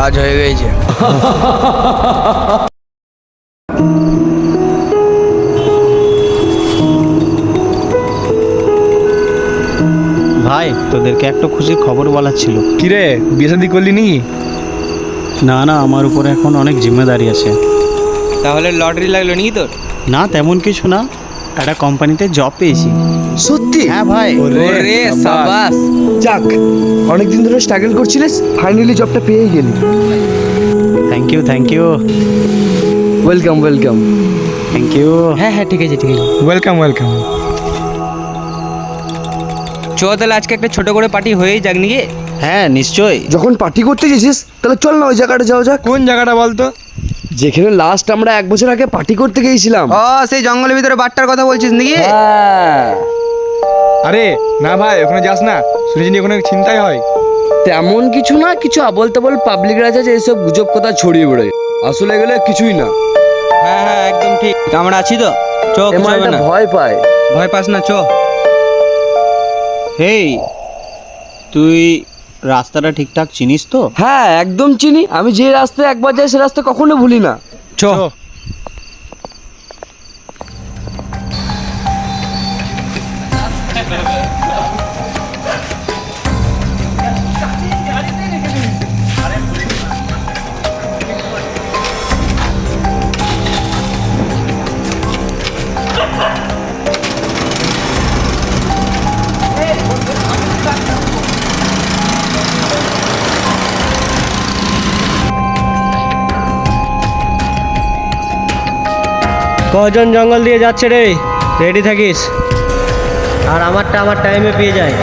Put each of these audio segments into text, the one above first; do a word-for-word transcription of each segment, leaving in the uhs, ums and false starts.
কাজ হয়ে গেছে। ভাই তোদেরকে একটা খুশির খবর বলার ছিল। কিরে, বিয়ে শাদি করলি নি? না না, আমার উপরে এখন অনেক জিম্মেদারি আছে। তাহলে লটারি লাগলো নাকি তোর? না তেমন কিছু না, একটা কোম্পানিতে জব পেয়েছি। সত্যি? হ্যাঁ ভাই। ওরে সাবাস। যাক, অনেকদিন ধরে স্ট্রাগল করছিলিস, ফাইনালি জবটা পেয়ে গেলি। Thank you thank you welcome welcome. Thank you. হ্যাঁ হ্যাঁ ঠিক আছে ঠিক আছে। Welcome welcome. চ তাহলে আজকে একটা ছোট করে পার্টি হয়েই যাক নাকি? হ্যাঁ নিশ্চয়ই। যখন পার্টি করতে গেছিস তাহলে চল না ওই জায়গাটা যাওয়া যাক। কোন জায়গাটা বলতো? যেখানে লাস্ট আমরা এক বছর আগে পার্টি করতে গিয়েছিলাম। ও সেই জঙ্গলের ভিতরে বাট্টার কথা বলছিস নাকি? হ্যাঁ, আরে না ভাই, ওখানে যাস না, শুনেছি নি ওখানে ছিনতাই হয়। তেমন কিছু না, কিছু আবল তাবল পাবলিক রাজা যে এইসব গুজব কথা ছড়িয়ে বেড়ায়, আসলে এগুলো কিছুই না। হ্যাঁ হ্যাঁ একদম ঠিক, আমরা আছি তো। চ এ কিছু হবে মালটা না, ভয় পায়। ভয় পাস না, চ। হেই, তুই রাস্তাটা ঠিকঠাক চিনিস তো? হ্যাঁ একদম চিনি, আমি যে রাস্তায় একবার যাই সে রাস্তা কখনো ভুলি না। চ। কজন জঙ্গল দিয়ে যাচ্ছে রে? রেডি থাকিস, আর আমারটা আমার টাইমে পেয়ে যায়।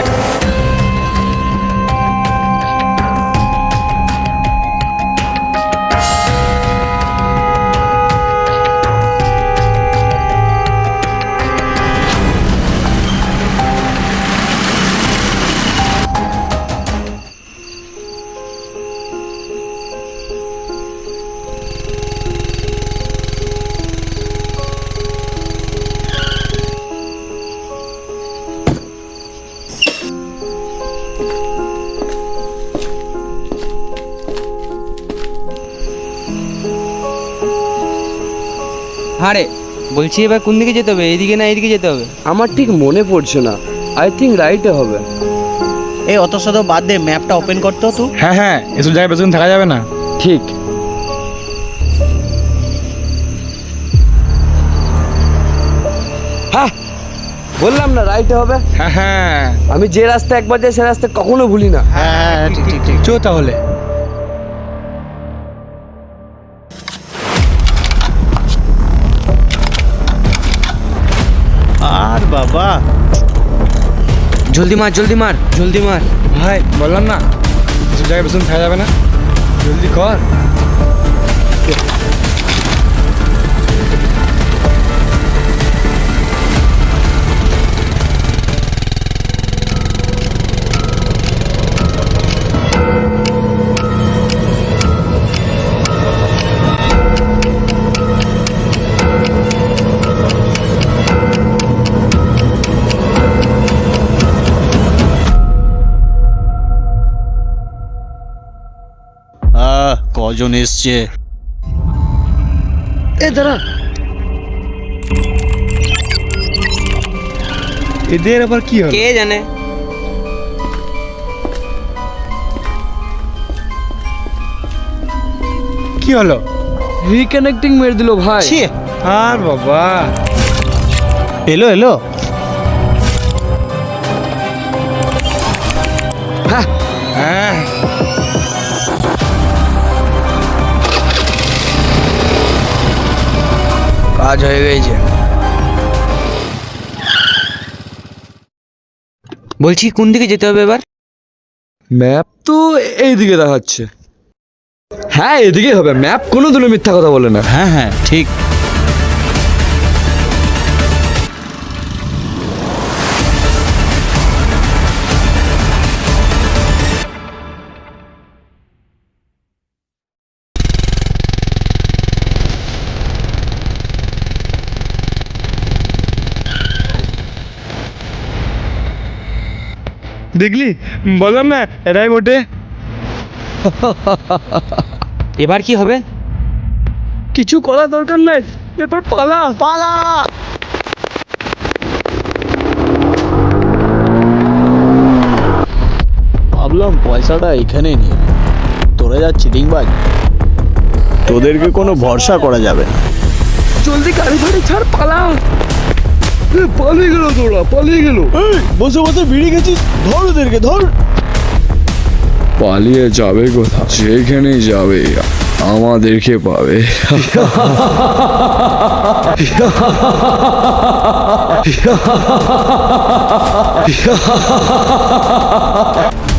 হ্যাঁ রে, বলছি এবার কোন দিকে যেতে হবে, এইদিকে না এইদিকে যেতে হবে? আমার ঠিক মনে পড়ছে না, আই থিঙ্ক রাইটে হবে। এই অত শত বাদ দে, ম্যাপটা ওপেন করতো তো। হ্যাঁ হ্যাঁ, এসব জায়গায় বেশিক্ষণ থাকা যাবে না। ঠিক। হ্যাঁ বললাম না রাইটে হবে। হ্যাঁ হ্যাঁ, আমি যে রাস্তা একবার যাই সে রাস্তা কখনো ভুলি না। হ্যাঁ ঠিক ঠিক ঠিক। চ তাহলে। আর বাবা, জলদি মার জলদি মার জলদি মার। ভাই বললাম না, এসব জায়গায় বেশিক্ষণ থাকা যাবে না, জলদি কর। আহ কজন এসছে? এ দাঁড়া, এদের আবার কি হবে? কে জানে। কি হলো? রিকানেক্টিং মেরে দিল ভাই। ছি, আর বাবা, এলো এলো। হ্যাঁ হ্যাঁ কাজ হয়ে গেছে। বলছি কোন দিকে যেতে হবে এবার? ম্যাপ তো এইদিকে দেখাচ্ছে। হ্যাঁ এদিকেই হবে, ম্যাপ কোনো দিনও মিথ্যা কথা বলে না। হ্যাঁ হ্যাঁ ঠিক। দেখলি, বললাম না এরাই বটে। এবার কি হবে? কিছু করার দরকার নাই, এবার পালা পালা। ভাবলাম পয়সাটা এখানেই নিয়ে নে। তোরা যা চিটিংবাজ, তোদেরকে কোনো ভরসা করা যাবে না। জলদি গাড়ি ফাড়ি ছাড়, পালা। এ, পালিয়ে গেল, তোরা পালিয়ে গেল। বসে বসে বিড়ি গেছিস, ধর ওদেরকে ধর। পালিয়ে যাবে কোথাও? যেখানেই যাবে আমাদেরকে পাবে।